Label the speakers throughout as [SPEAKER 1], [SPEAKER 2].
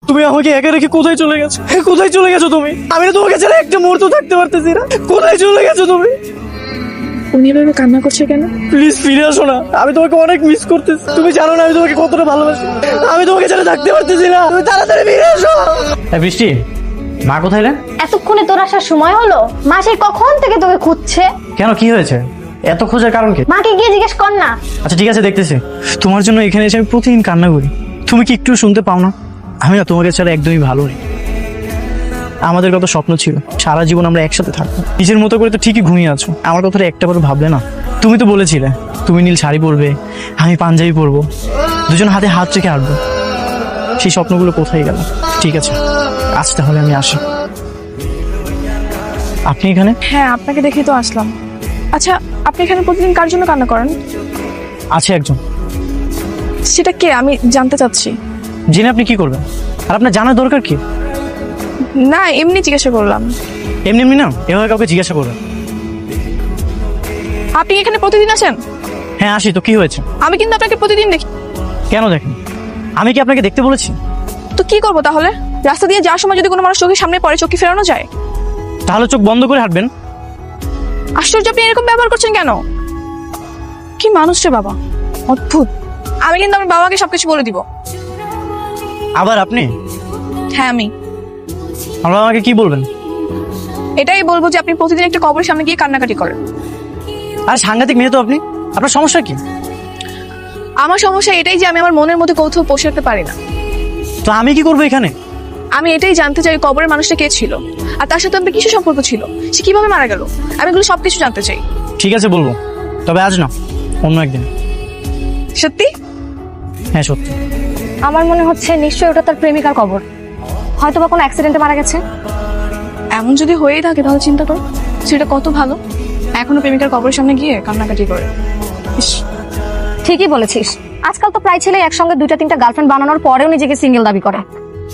[SPEAKER 1] তুমি আমাকে একা রেখে কোথায় চলে গেছো? কোথায় চলে গেছো তুমি? আমি না তোমাকে ছাড়া একটা মুহূর্ত থাকতে পারতেছি না। কোথায় চলে গেছো তুমি?
[SPEAKER 2] উনি এভাবে কান্না করছে কেন?
[SPEAKER 1] প্লিজ ফিরে আসো না, আমি তোমাকে অনেক মিস করতেছি। তুমি জানো না আমি তোমাকে কতটা ভালোবাসি। আমি তোমাকে ছাড়া থাকতে পারতেছি না। তুমি তাড়াতাড়ি ফিরে আসো।
[SPEAKER 3] বৃষ্টি, মা কোথায় রে?
[SPEAKER 4] এতক্ষণে তোর আসার সময় হলো? মা সেই কখন থেকে তোকে খুঁজছে।
[SPEAKER 3] কেন, কি হয়েছে? এত খোঁজার কারণ কি?
[SPEAKER 4] মাকে গিয়ে জিজ্ঞেস কর না।
[SPEAKER 3] আচ্ছা ঠিক আছে, দেখতেছি।
[SPEAKER 1] তোমার জন্য এখানে এসে আমি প্রতিদিন কান্না করি। তুমি কি একটু শুনতে পাও না? আমি না তোমাকে ছাড়া একদমই ভালো নেই। আমাদের কত স্বপ্ন ছিল, সারা জীবন আমরা একসাথে থাকবো। নিজের মতো করে তো ঠিকই ঘুমিয়ে আছো, আমার কথাটা একটাবারও ভাবলে না? তুমি তো বলেছিলে তুমি নীল শাড়ি পরবে, আমি পাঞ্জাবি পরবো, দুজন হাতে হাত রেখে হাঁটবো। সেই স্বপ্নগুলো কোথায় গেল? ঠিক আছে, আজ তাহলে আমি আসি। আপনি এখানে?
[SPEAKER 2] হ্যাঁ, আপনাকে দেখেই তো আসলাম। আচ্ছা, আপনি এখানে প্রতিদিন কার জন্য কান্না করেন?
[SPEAKER 1] আছে একজন।
[SPEAKER 2] সেটা কে আমি জানতে চাচ্ছি।
[SPEAKER 1] জেনে আপনি কি করবেন? আর আপনার জানার দরকার কি?
[SPEAKER 2] না, এমনি জিজ্ঞাসা করলাম।
[SPEAKER 1] এমনি এমনি না, এভাবে কাউকে জিজ্ঞাসা করবেন।
[SPEAKER 2] আপনি এখানে প্রতিদিন আসেন?
[SPEAKER 1] হ্যাঁ আসি তো, কি হয়েছে?
[SPEAKER 2] আমি কিন্তু আপনাকে প্রতিদিন দেখি।
[SPEAKER 1] কেন দেখেন? আমি কি আপনাকে দেখতে বলেছি?
[SPEAKER 2] তো কি করবো তাহলে? রাস্তা দিয়ে যাওয়ার সময় যদি কোনো মানুষ চোখের সামনে পড়ে, চোখ কি ফেরানো যায়?
[SPEAKER 1] তাহলে চোখ বন্ধ করে হাঁটবেন।
[SPEAKER 2] আশ্চর্য, আপনি এরকম ব্যবহার করছেন কেন? কি মানুষ রে বাবা, অদ্ভুত। আমি কিন্তু আমার বাবাকে সবকিছু বলে দিব।
[SPEAKER 1] আবার আপনি?
[SPEAKER 2] হ্যাঁ আমি
[SPEAKER 1] আমার আমাকে কি বলবেন?
[SPEAKER 2] এটাই বলবো যে আপনি প্রতিদিন একটা কবরের সামনে গিয়ে কান্নাকাটি করেন।
[SPEAKER 1] আর সাংঘাতিক মেয়ে তো আপনি। আপনার সমস্যা কি?
[SPEAKER 2] আমার সমস্যা এটাই যে আমি আমার মনের মধ্যে কৌতূহল পোষাতে পারি না।
[SPEAKER 1] তো আমি কি করবো এখানে?
[SPEAKER 2] আমি এটাই জানতে চাই কবরের মানুষটা কে ছিল, আর তার সাথে আপনার কিছু সম্পর্ক ছিল, সে কিভাবে মারা গেল। আমি এগুলো সবকিছু জানতে চাই।
[SPEAKER 1] ঠিক আছে বলবো, তবে আজ না, অন্য একদিন।
[SPEAKER 2] সত্যি?
[SPEAKER 1] হ্যাঁ সত্যি।
[SPEAKER 4] আমার মনে হচ্ছে নিশ্চয়ই ওটা তার প্রেমিকার কবর, হয়তো বা কোনো অ্যাক্সিডেন্টে মারা গেছে।
[SPEAKER 2] এমন যদি হয়েই থাকে তাহলে চিন্তা করো, সেটা কত ভালো। এখনো প্রেমিকার কবরের সামনে গিয়ে কান্নাকাটি করে। ইস,
[SPEAKER 4] ঠিকই বলেছিস, আজকাল তো প্রায় ছেলে একসঙ্গে দুইটা তিনটা গার্লফ্রেন্ড বানানোর পরেও নিজেকে সিঙ্গেল দাবি করে।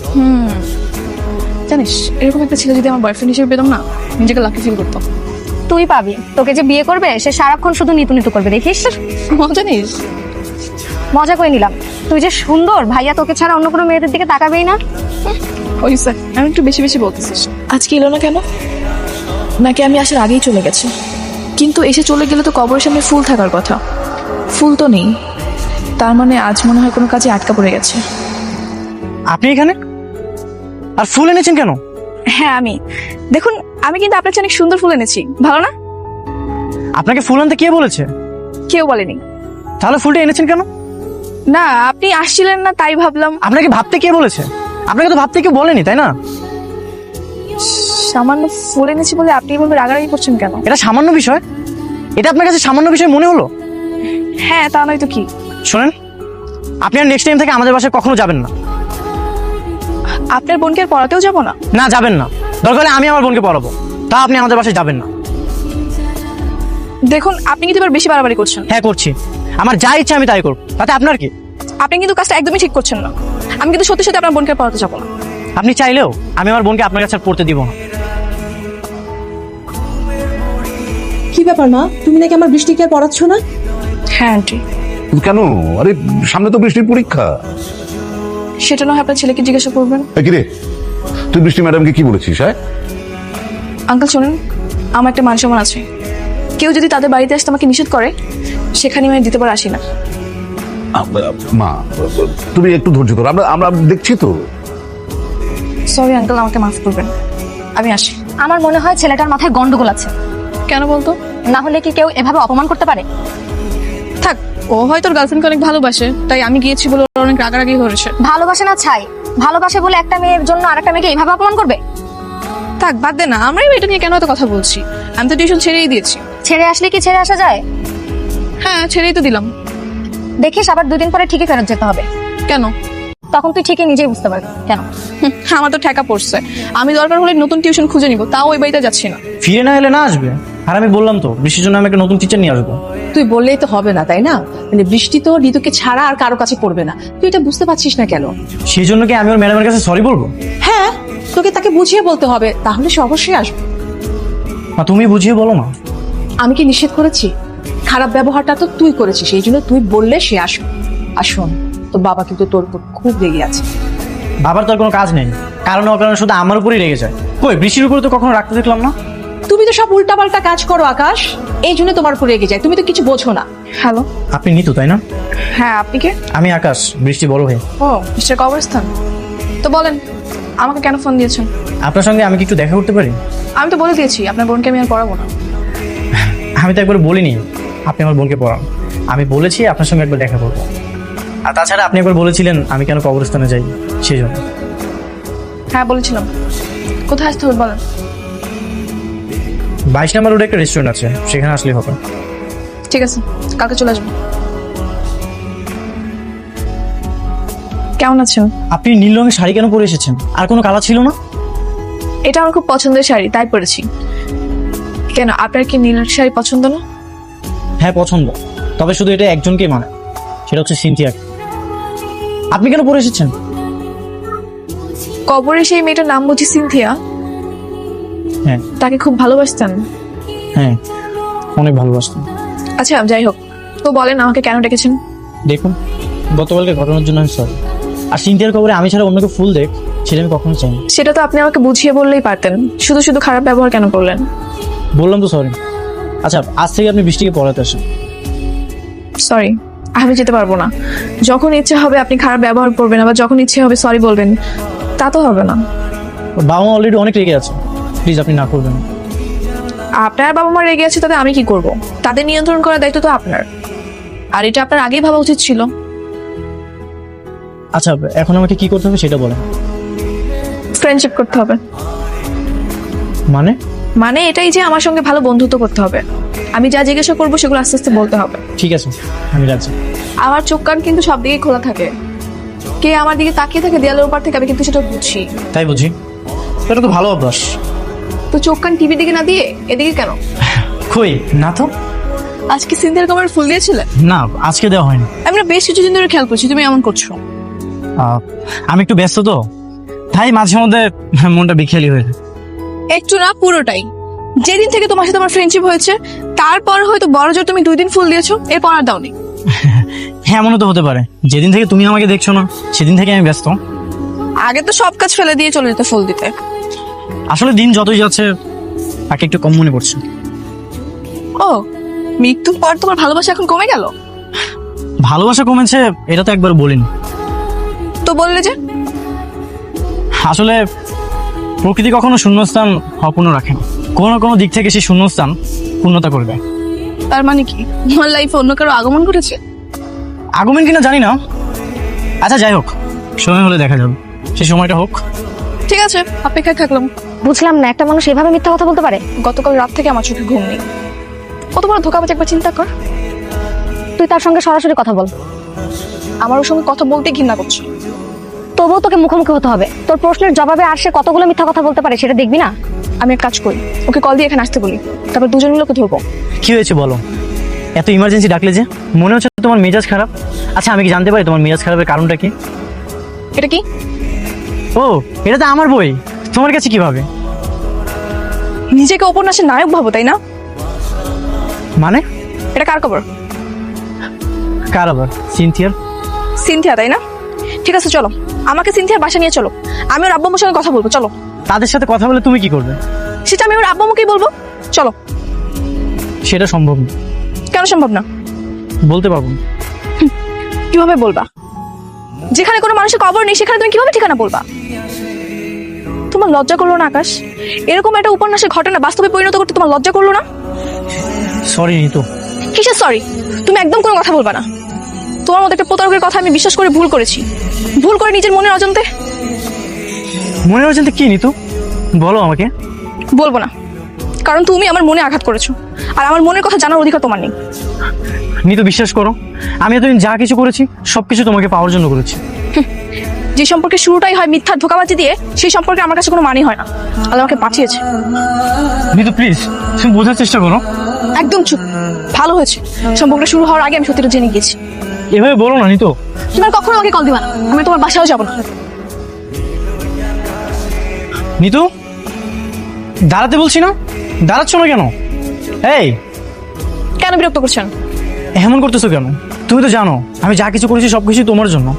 [SPEAKER 2] জানিস, এরকম একটা ছেলে যদি আমার বয়ফ্রেন্ড হিসেবে পেতাম না, নিজেকে লাকি ফিল করতাম।
[SPEAKER 4] তুই পাবি, তোকে যে বিয়ে করবে সে সারাক্ষণ শুধু নিতু নিতু করবে, দেখিস।
[SPEAKER 2] জানিস,
[SPEAKER 4] মজা করে নিলাম। তুই যে সুন্দর, ভাইয়া তোকে ছাড়া অন্য কোনো মেয়েদের দিকে তাকাবেই না।
[SPEAKER 2] ওই স্যার, আমি একটু বেশি বেশি বলতেছিস। আজকে এলো না কেন? নাকি আমি আসার আগেই চলে গেছে? কিন্তু এসে চলে গেলে তো কবরের সামনে ফুল থাকার কথা, ফুল তো নেই। তার মানে আজ মনে হয় কোনো কাজে আটকা পড়ে গেছে।
[SPEAKER 1] আপনি এখানে? আর ফুল এনেছেন কেন?
[SPEAKER 2] হ্যাঁ আমি, দেখুন আমি কিন্তু আপনার চেয়ে অনেক সুন্দর ফুল এনেছি, ভালো না?
[SPEAKER 1] আপনাকে ফুল আনতে কে বলেছে?
[SPEAKER 2] কেউ বলেনি।
[SPEAKER 1] তাহলে ফুলটা এনেছেন কেন?
[SPEAKER 2] না, আপনি আসছিলেন না তাই ভাবলাম।
[SPEAKER 1] আপনাকে ভাবতে কে বলেছে? আপনাকে তো ভাবতে কেউ বলেনি, তাই না?
[SPEAKER 2] সামান্য ফুল এনেছি বলে আপনি বলবে রাগারাগি করছেন কেন?
[SPEAKER 1] এটা সামান্য বিষয়? এটা আপনার কাছে সামান্য বিষয় মনে হলো?
[SPEAKER 2] হ্যাঁ, তা নয় তো কি।
[SPEAKER 1] শোনেন, আপনি আর নেক্সট টাইম থেকে আমাদের বাসায় কখনো যাবেন না।
[SPEAKER 2] আপনার বোনকে আর পড়াতেও যাবো না?
[SPEAKER 1] না যাবেন না, দরকার হলে আমি আমার বোনকে পড়াবো, তা আপনি আমাদের বাসায় যাবেন না।
[SPEAKER 2] দেখুন, আপনি কিন্তু এবার বেশি বাড়াবাড়ি করছেন।
[SPEAKER 1] হ্যাঁ করছি, আমার যা ইচ্ছা আমি তাই করব, তাতে আপনার কি?
[SPEAKER 2] আপনি কিন্তু কাজটা একদমই ঠিক করছেন না। আমি কিন্তু সত্যি সত্যি আপনার বোনকে আর পড়াতে যাবো না।
[SPEAKER 1] আপনি চাইলেও আমি আমার বোনকে আপনার কাছে আর পড়তে দিব না।
[SPEAKER 5] কি ব্যাপার মা, তুমি নাকি আমার বৃষ্টিকে আর পড়াচ্ছ না?
[SPEAKER 2] হ্যাঁ আন্টি।
[SPEAKER 6] কেন? আরে সামনে তো বৃষ্টির পরীক্ষা।
[SPEAKER 2] সেটা না হয় আপনার ছেলেকে জিজ্ঞাসা করবেন।
[SPEAKER 6] কিরে, তুই বৃষ্টি ম্যাডামকে কি বলেছিস? হ্যাঁ
[SPEAKER 2] আঙ্কেল শোনেন, আমার একটা মান সম্মান আছে। কেউ যদি তাদের বাড়িতে আসতে আমাকে নিষেধ করে, সেখানে আমি দিতে পারে আসি না।
[SPEAKER 6] মা, তুমি একটু ধৈর্য ধরো, আমরা আমরা দেখছি তো।
[SPEAKER 2] সরি আঙ্কেল, আমাকে মাফ করবেন, আমি আসি।
[SPEAKER 4] আমার মনে হয় ছেলেটার মাথায় গন্ডগোল আছে।
[SPEAKER 2] কেন বলতো?
[SPEAKER 4] না হলে কি কেউ এভাবে অপমান করতে পারে?
[SPEAKER 2] থাক, ও হয়তো ওর গার্লফ্রেন্ডকে অনেক ভালোবাসে, তাই আমি গিয়েছি বলে ওর অনেক রাগারাগি হয়েছে।
[SPEAKER 4] ভালোবাসে না ছাই, ভালোবাসে বলে একটা মেয়ের জন্য আরেকটা মেয়েকে এইভাবে অপমান করবে?
[SPEAKER 2] থাক, বাদ দে না, আমরাই এটা নিয়ে কেন এত কথা বলছি? আমি তো টিউশন ছেড়েই দিয়েছি।
[SPEAKER 4] ছেড়ে আসলে কি ছেড়ে আসা যায়?
[SPEAKER 2] হ্যাঁ, ছেড়েই তো দিলাম।
[SPEAKER 4] দেখিস আবার 2 দিন পরে ঠিকই ফেরত যেতে হবে।
[SPEAKER 2] কেন?
[SPEAKER 4] তখন তুই ঠিকই নিজেই বুঝতে পারবি কেন।
[SPEAKER 2] আমার তো ঠেকা পড়ছে। আমি দরকার হলে নতুন টিউশন খুঁজে নিব, তাও ওই বাড়িতে যাচ্ছি না।
[SPEAKER 1] ফিরে না এলে না আসবে। আর আমি বললাম তো বৃষ্টির জন্য আমি একটা নতুন টিচার নিয়ে আসবো।
[SPEAKER 5] তুই বললেই তো হবে না, তাই না? মানে বৃষ্টি তো ঋতুকে ছাড়া আর কারো কাছে পড়বে না, তুই এটা বুঝতে পারছিস না কেন?
[SPEAKER 1] সেই জন্য কি আমি ওর ম্যাডামের কাছে সরি বলবো?
[SPEAKER 5] হ্যাঁ, তোকে তাকে বুঝিয়ে বলতে হবে, তাহলে সে অবশ্যই আসবে।
[SPEAKER 1] না তুমি বুঝিয়ে বলো না।
[SPEAKER 5] আমি কি নিষেধ করেছি? খারাপ ব্যবহারটা তো তুই করেছিস, এই জন্য তুই বললে সে আসবে। আর শোন, তোর বাবা কিন্তু তোর উপর খুব রেগে আছে।
[SPEAKER 3] বাবার তো আর কোনো কাজ নেই, কারণে অকারণে শুধু আমার উপরেই রেগে যায়। কই বৃষ্টির উপরে তো কখনো রাখতে দেখলাম না।
[SPEAKER 5] তুমি তো সব উল্টাপাল্টা কাজ করো আকাশ, এই জন্য তোমার উপর রেগে যায়। তুমি তো কিছু বোঝো না।
[SPEAKER 2] হ্যালো,
[SPEAKER 3] আপনি নিতু তাই না?
[SPEAKER 2] হ্যাঁ আপনি কে?
[SPEAKER 3] আমি আকাশ, বৃষ্টি বড় ভাই।
[SPEAKER 2] ও মিস্টার কবরস্থান, তো বলেন আমাকে কেন ফোন দিয়েছেন?
[SPEAKER 3] আপনার সঙ্গে আমি কি একটু দেখা করতে পারি?
[SPEAKER 2] আমি তো বলে দিয়েছি আপনার বোনকে আমি আর পড়াবো না।
[SPEAKER 3] আমি তো একবার বলিনি আপনি আমার বোনকে পড়ান, আমি বলেছি আপনার সঙ্গে একবার দেখা করবো। আর তাছাড়া আপনি একবার বলেছিলেন আমি কেন কবরস্থানে যাই, সেই জন্য।
[SPEAKER 2] হ্যাঁ বলেছিলাম। কোথায় আসতে হবে বলেন?
[SPEAKER 3] 22 নম্বর রোডে একটা রেস্টুরেন্ট আছে, সেখানে আসলে হবে।
[SPEAKER 2] ঠিক আছে, কালকে চলে আসবো। কেমন আছেন?
[SPEAKER 3] আপনি নীল রঙের শাড়ি কেন পরে এসেছেন? আর কোনো কালার ছিল না?
[SPEAKER 2] এটা আমার খুব পছন্দের শাড়ি, তাই পরেছি। কেন আপনার কি নীল শাড়ি পছন্দ না?
[SPEAKER 3] হ্যাঁ পছন্দ, তবে শুধু এটা একজনকেই মানে, সেটা হচ্ছে সিনথিয়াকে। আপনি কেন পরে এসেছেন?
[SPEAKER 2] কবরে সেই মেয়েটার নাম বুঝি সিনথিয়া?
[SPEAKER 3] হ্যাঁ
[SPEAKER 2] তাকে খুব ভালোবাসতেন?
[SPEAKER 3] হ্যাঁ, অনেক ভালোবাসতেন।
[SPEAKER 2] আচ্ছা যাই হোক, তো বলেন আমাকে কেন ডেকেছেন?
[SPEAKER 3] দেখুন, গতকালকে ঘটনার জন্য আমি সরি। আর সিনথিয়ার খবরে আমি ছাড়া অন্যকে ফুল দেখ, সেটা আমি কখনো চাইনি।
[SPEAKER 2] সেটা তো আপনি আমাকে বুঝিয়ে বললেই পারতেন, শুধু শুধু খারাপ ব্যবহার কেন করলেন?
[SPEAKER 3] বললাম তো সরি। আচ্ছা, আজ থেকে আপনি বৃষ্টিকে পড়াতে আসেন।
[SPEAKER 2] সরি, আমি যেতে পারবো না। যখন ইচ্ছে হবে আপনি খারাপ ব্যবহার করবেন, আবার যখন ইচ্ছে হবে সরি বলবেন, তা তো হবে না।
[SPEAKER 3] ওর বাবা মা অলরেডি অনেক রেগে আছে, প্লিজ আপনি না করবেন না।
[SPEAKER 2] আপনার বাবা মা রেগে আছে, তাতে আমি কি করব? তাদের নিয়ন্ত্রণ করার দায়িত্ব তো আপনার, আর এটা আপনার আগেই ভাবা উচিত ছিল।
[SPEAKER 3] আচ্ছা, এখন আমাকে কি করতে হবে সেটা বলেন।
[SPEAKER 2] ফ্রেন্ডশিপ করতে হবে।
[SPEAKER 3] মানে?
[SPEAKER 2] মানে এটাই যে আমার সঙ্গে ভালো বন্ধুত্ব করতে হবে। আমি যা জিজ্ঞাসা করবো সেগুলো আস্তে আস্তে বলতে হবে।
[SPEAKER 3] ঠিক আছে, আমি রাজি।
[SPEAKER 2] আমার চোখ কান কিন্তু সব দিকে খোলা থাকে। কে আমার দিকে তাকিয়ে থাকে দেয়ালের উপর থেকে, আমি কিন্তু সেটা বুঝি।
[SPEAKER 3] তাই বুঝি, এটা তো ভালো অভ্যাস।
[SPEAKER 2] তো চোখ কান টিভির দিকে না দিয়ে এদিকে কেন?
[SPEAKER 3] কই না তো।
[SPEAKER 2] আজকে সিন্ধিয়ার কবরে ফুল দিয়েছিলে?
[SPEAKER 3] না, আজকে দেওয়া হয়নি।
[SPEAKER 2] আমি না বেশ কিছুদিন ধরে খেয়াল করছি তুমি এমন করছো।
[SPEAKER 3] আমি একটু ব্যস্ত তো, তাই মাঝে মধ্যে মনটা বিখেয়ালি হয়ে যায়।
[SPEAKER 2] একটু না, পুরোটাই। যেদিন থেকে তোমার সাথে আমার ফ্রেন্ডশিপ হয়েছে তারপর হয়তো বড় জোর তুমি 2 দিন ফুল দিয়েছো, এরপর আর দাওনি।
[SPEAKER 3] হ্যাঁ, এমনও তো হতে পারে যেদিন থেকে তুমি আমাকে দেখছো না সেদিন থেকে আমি ব্যস্ত।
[SPEAKER 2] আগে তো সব কাজ ফেলে দিয়ে চলে যেতে ফুল দিতে।
[SPEAKER 3] আসলে দিন যতই যাচ্ছে তাকে একটু কম মনে পড়ছে।
[SPEAKER 2] ও, মৃত্যুর পর তোমার ভালোবাসা এখন কমে গেল?
[SPEAKER 3] ভালোবাসা কমেছে এটা তো একবার বলিনি।
[SPEAKER 2] তো বললে যে
[SPEAKER 3] আসলে প্রকৃতি কখনো শূন্যস্থান অপূর্ণ রাখে না, কোনো না কোনো দিক থেকে সেই শূন্যস্থান পূর্ণতা করবে।
[SPEAKER 2] তার মানে কি তোমার লাইফে অন্য কারো আগমন ঘটেছে?
[SPEAKER 3] আগমন কিনা জানি না। আচ্ছা যাই হোক, সময় হলে দেখা যাবে, সেই সময়টা হোক।
[SPEAKER 2] ঠিক আছে, অপেক্ষায় থাকলাম।
[SPEAKER 4] বুঝলাম না, একটা মানুষ এভাবে মিথ্যা কথা বলতে পারে?
[SPEAKER 2] গতকাল রাত থেকে আমার চোখে ঘুম নেই। কত বড় ধোকাবাজ, একবার চিন্তা কর।
[SPEAKER 4] তুই তার সঙ্গে সরাসরি কথা বল।
[SPEAKER 2] আমার ওর সঙ্গে কথা বলতে ঘৃণা করছি।
[SPEAKER 4] তবুও তোকে মুখোমুখি হতে হবে। তোর প্রশ্নের জবাবে আর সে কতগুলো মিথ্যা কথা বলতে পারে সেটা দেখবি না?
[SPEAKER 2] আমি এক কাজ করি, ওকে কল দিয়ে এখানে আসতে বলি, তারপর দুজন মিলে ওকে ধরবো।
[SPEAKER 3] কি হয়েছে বলো? এত ইমার্জেন্সি ডাকলে যে? মনে হচ্ছে তোমার মেজাজ খারাপ। আচ্ছা, আমি কি জানতে পারি তোমার মেজাজ খারাপের কারণটা কি?
[SPEAKER 2] এটা কি?
[SPEAKER 3] ও, এটা তো আমার বই, তোমার কাছে কিভাবে?
[SPEAKER 2] নিজেকে উপন্যাসের নায়ক ভাবো তাই না?
[SPEAKER 3] মানে?
[SPEAKER 2] এটা কার খবর?
[SPEAKER 3] কার আবার? সিনথিয়ার।
[SPEAKER 2] সিনথিয়া তাই না? ঠিক আছে চলো, আমাকে সিনথিয়ার বাসা নিয়ে চলো, আমি ওর আব্বু আম্মুর সঙ্গে কথা বলবো। চলো।
[SPEAKER 3] তাদের সাথে কথা বলে তুমি কি করবে?
[SPEAKER 2] সেটা আমি ওর আব্বু আম্মুকেই বলবো। চলো।
[SPEAKER 3] সেটা সম্ভব না।
[SPEAKER 2] কেন সম্ভব না?
[SPEAKER 3] বলতে পারবো না।
[SPEAKER 2] কিভাবে বলবা? যেখানে কোনো মানুষের কবর নেই সেখানে তুমি কিভাবে ঠিকানা বলবা? তোমার লজ্জা করলো না আকাশ? এরকম একটা উপন্যাসের ঘটনা বাস্তবে পরিণত করতে তোমার লজ্জা করলো না?
[SPEAKER 3] সরি নিতু।
[SPEAKER 2] কিসের সরি? তুমি একদম কোনো কথা বলবা না। তোমার মতো একটা প্রতারকের কথা আমি বিশ্বাস করে ভুল করেছি, ভুল করে নিজের মনের অজান্তে।
[SPEAKER 3] মনে হচ্ছে কি নিতু? বলো আমাকে।
[SPEAKER 2] বলবো না, কারণ তুমি আমার মনে আঘাত করেছো, আর আমার মনের কথা জানার অধিকার তোমার নেই।
[SPEAKER 3] নিতু বিশ্বাস করো, আমি এতদিন যা কিছু করেছি সবকিছু তোমাকে পাওয়ার জন্য করেছি।
[SPEAKER 2] যে সম্পর্কে শুরুটাই হয় মিথ্যার ধোঁকাবাজি দিয়ে, সেই সম্পর্কে আমার কাছে কোনো মানেই হয় না। আল্লাহ আমাকে পাঠিয়েছে।
[SPEAKER 3] নিতু প্লিজ, তুমি বোঝার চেষ্টা করো।
[SPEAKER 2] একদম চুপ। ভালো হয়েছে, সম্পর্কটা শুরু হওয়ার আগে আমি সত্যিটা জেনে গেছি।
[SPEAKER 3] এভাবে বলো না নিতু।
[SPEAKER 2] তুমি আর কখনো আমাকে কল দিবা না, আমি তোমার বাসাও যাবো না।
[SPEAKER 3] নিতু, দাঁড়াতে বলছি না, দাঁড়াচ্ছ না কেন? এই,
[SPEAKER 2] কেন বিরক্ত করছেন?
[SPEAKER 3] এমন করতেছো কেন? তুমি তো জানো আমি যা কিছু করেছি সবকিছু তোমার জন্য।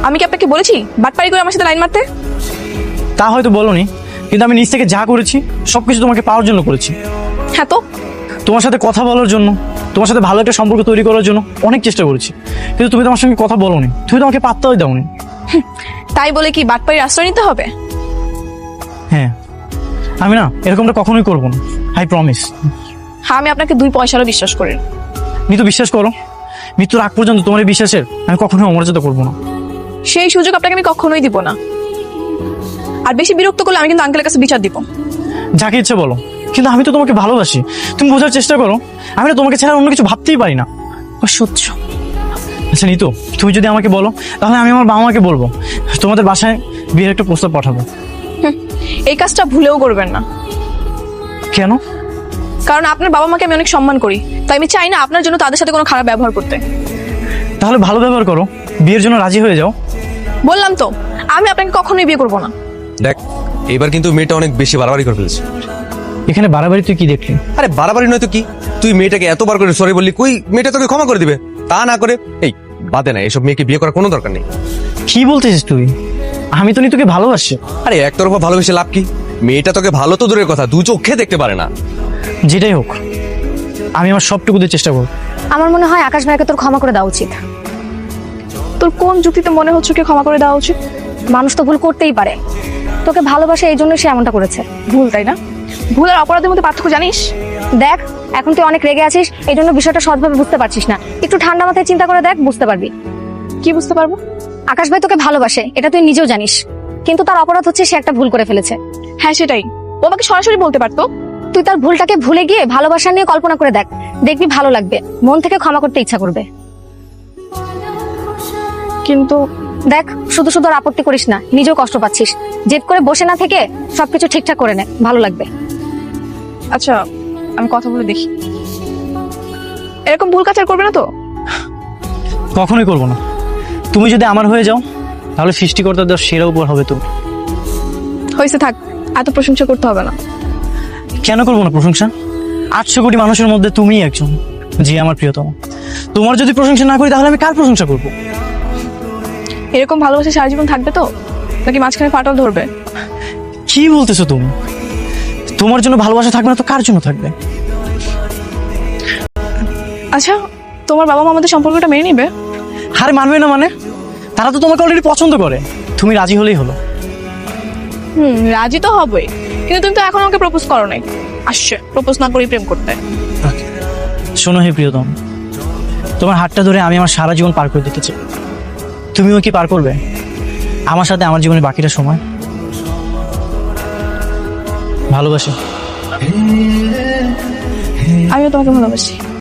[SPEAKER 2] আমি কি আপনাকে বলেছি বাটপাড়ি করে আমার সাথে লাইন মারতে?
[SPEAKER 3] তা হয়তো বলোনি, কিন্তু আমি নিজ থেকে যা করেছি সবকিছু তোমাকে পাওয়ার জন্য করেছি।
[SPEAKER 2] হ্যাঁ তো
[SPEAKER 3] তোমার সাথে কথা বলার জন্য, তোমার সাথে ভালো একটা সম্পর্ক তৈরি করার জন্য অনেক চেষ্টা করেছি, কিন্তু তুমি তোমার সঙ্গে কথা বলোনি, তুমি তোমাকে পাত্তাই দাওনি।
[SPEAKER 2] তাই বলে কি বাটপাড়ির আশ্রয় নিতে হবে?
[SPEAKER 3] হ্যাঁ, আমি না এরকমটা কখনোই করবো না, আই প্রমিস।
[SPEAKER 2] হ্যাঁ, আমি আপনাকে 2 পয়সারও বিশ্বাস করি না।
[SPEAKER 3] মৃত্যু বিশ্বাস করো, মৃত্যুর আগ পর্যন্ত তোমার এই বিশ্বাসের আমি কখনোই অমর্যাদা করবো না।
[SPEAKER 2] সেই সুযোগ আপনাকে আমি কখনোই দিব না। আর বেশি বিরক্ত করলে আমি কিন্তু আঙ্কেলের কাছে বিচার দিব।
[SPEAKER 3] যাকে ইচ্ছে বলো, কিন্তু আমি তো তোমাকে ভালোবাসি, তুমি বোঝার চেষ্টা করো। আমি না তোমাকে ছাড়া অন্য কিছু ভাবতেই পারি না।
[SPEAKER 2] অসহ্য।
[SPEAKER 3] আচ্ছা নিতু, তুমি যদি আমাকে বলো তাহলে আমি আমার বাবা মাকে বলবো, তোমাদের বাসায় বিয়ের একটা প্রস্তাব পাঠাবো।
[SPEAKER 2] এই কাজটা ভুলেও করবেন না,
[SPEAKER 3] কেন?
[SPEAKER 2] কারণ আপনার বাবা মাকে আমি অনেক সম্মান করি, তাই আমি চাই না আপনার জন্য তাদের সাথে কোনো খারাপ ব্যবহার করতে।
[SPEAKER 3] তাহলে ভালো ব্যবহার করো, বিয়ের জন্য রাজি হয়ে যাও।
[SPEAKER 2] বললাম তো, আমি আপনাকে কখনোই বিয়ে করবো না।
[SPEAKER 7] দেখ, এবার কিন্তু মেয়েটা অনেক বেশি বাড়াবাড়ি করে ফেলেছে।
[SPEAKER 3] এখানে বাড়াবাড়ি তুই কি দেখলি?
[SPEAKER 7] আরে বাড়াবাড়ি নয় তো কি, তুই মেয়েটাকে এতবার করে সরি বললি, কই মেয়েটা তোকে ক্ষমা করে দিবে? তা না করে এই বাদে না, এসব মেয়েকে বিয়ে করার কোনো দরকার নেই।
[SPEAKER 3] কি বলতেছিস তুই? আমি তো নিতুকে ভালোবাসি।
[SPEAKER 7] আরে একতরফা ভালোবেসে লাভ কি? মেয়েটা তোকে ভালো তো দূরের কথা, 2 চোখে দেখতে পারে না।
[SPEAKER 3] যেটাই হোক, আমি আমার সবটুকু দিয়ে চেষ্টা করব।
[SPEAKER 4] আমার মনে হয় আকাশ ভাইকে তোর ক্ষমা করে দেওয়া উচিত।
[SPEAKER 2] তোর কোন যুক্তিতে মনে হচ্ছে কি ক্ষমা করে দেওয়া উচিত?
[SPEAKER 4] মানুষ তো ভুল করতেই পারে, তোকে ভালোবাসে এই জন্য সে এমনটা করেছে।
[SPEAKER 2] ভুল, তাই না? ভুল আর অপরাধের মধ্যে পার্থক্য জানিস?
[SPEAKER 4] দেখ, এখন তুই অনেক রেগে আছিস, এই জন্য বিষয়টা সৎভাবে বুঝতে পারছিস না। একটু ঠান্ডা মাথায় চিন্তা করে দেখ, বুঝতে পারবি।
[SPEAKER 2] কি বুঝতে পারবো?
[SPEAKER 4] আকাশ ভাই তোকে ভালোবাসে, এটা তুই নিজেও জানিস, কিন্তু তার অপরাধ হচ্ছে সে একটা ভুল করে ফেলেছে।
[SPEAKER 2] হ্যাঁ সেটাই, ও আমাকে সরাসরি বলতে পারতো।
[SPEAKER 4] তুই তার ভুলটাকে ভুলে গিয়ে ভালোবাসা নিয়ে কল্পনা করে দেখ, দেখবি ভালো লাগবে, মন থেকে ক্ষমা করতে ইচ্ছা করবে।
[SPEAKER 2] কিন্তু
[SPEAKER 4] দেখ, শুধু শুধু আর আপত্তি করিস না, নিজেও কষ্ট পাচ্ছিস। জেদ করে বসে না থেকে সবকিছু ঠিকঠাক করে নে, ভালো লাগবে।
[SPEAKER 2] আচ্ছা, আমি কথা বলে দেখি। এরকম ভুল কাজ আর করবে না তো?
[SPEAKER 3] কখনোই করবো না। তুমি যদি আমার হয়ে যাও তাহলে সৃষ্টিকর্তা দেওয়ার সেরা উপর হবে তুমি।
[SPEAKER 2] হয়েছে, থাক, এত প্রশংসা করতে হবে না।
[SPEAKER 3] কেন করবো না প্রশংসা? 800 কোটি মানুষের মধ্যে তুমিই একজন, যে আমার প্রিয়তম। তোমার যদি প্রশংসা না করি তাহলে আমি কার প্রশংসা করবো?
[SPEAKER 2] এরকম ভালোবাসা সারা জীবন থাকবে তো, নাকি মাঝখানে ফাটল ধরবে?
[SPEAKER 3] কি বলতেছো তুমি? তোমার জন্য ভালোবাসা থাকবে না তো কার জন্য থাকবে?
[SPEAKER 2] আচ্ছা, তোমার বাবা মা আমাদের সম্পর্কটা মেনে নিবে?
[SPEAKER 3] আরে মানবে না মানে? তারা তো তোমাকে অলরেডি পছন্দ করে, তুমি রাজি হলেই হলো।
[SPEAKER 2] রাজি তো হবেই, কিন্তু তুমি তো এখন আমাকে প্রপোজ করো নাই। আসছে প্রপোজ না করেই প্রেম করতে।
[SPEAKER 3] শোনো হে প্রিয়তম, তোমার হাতটা ধরে আমি আমার সারা জীবন পার করে দিতে চাই। তুমিও কি পার করবে আমার সাথে আমার জীবনের বাকিটা সময়? ভালোবাসি।
[SPEAKER 2] আমিও তোমাকে ভালোবাসি।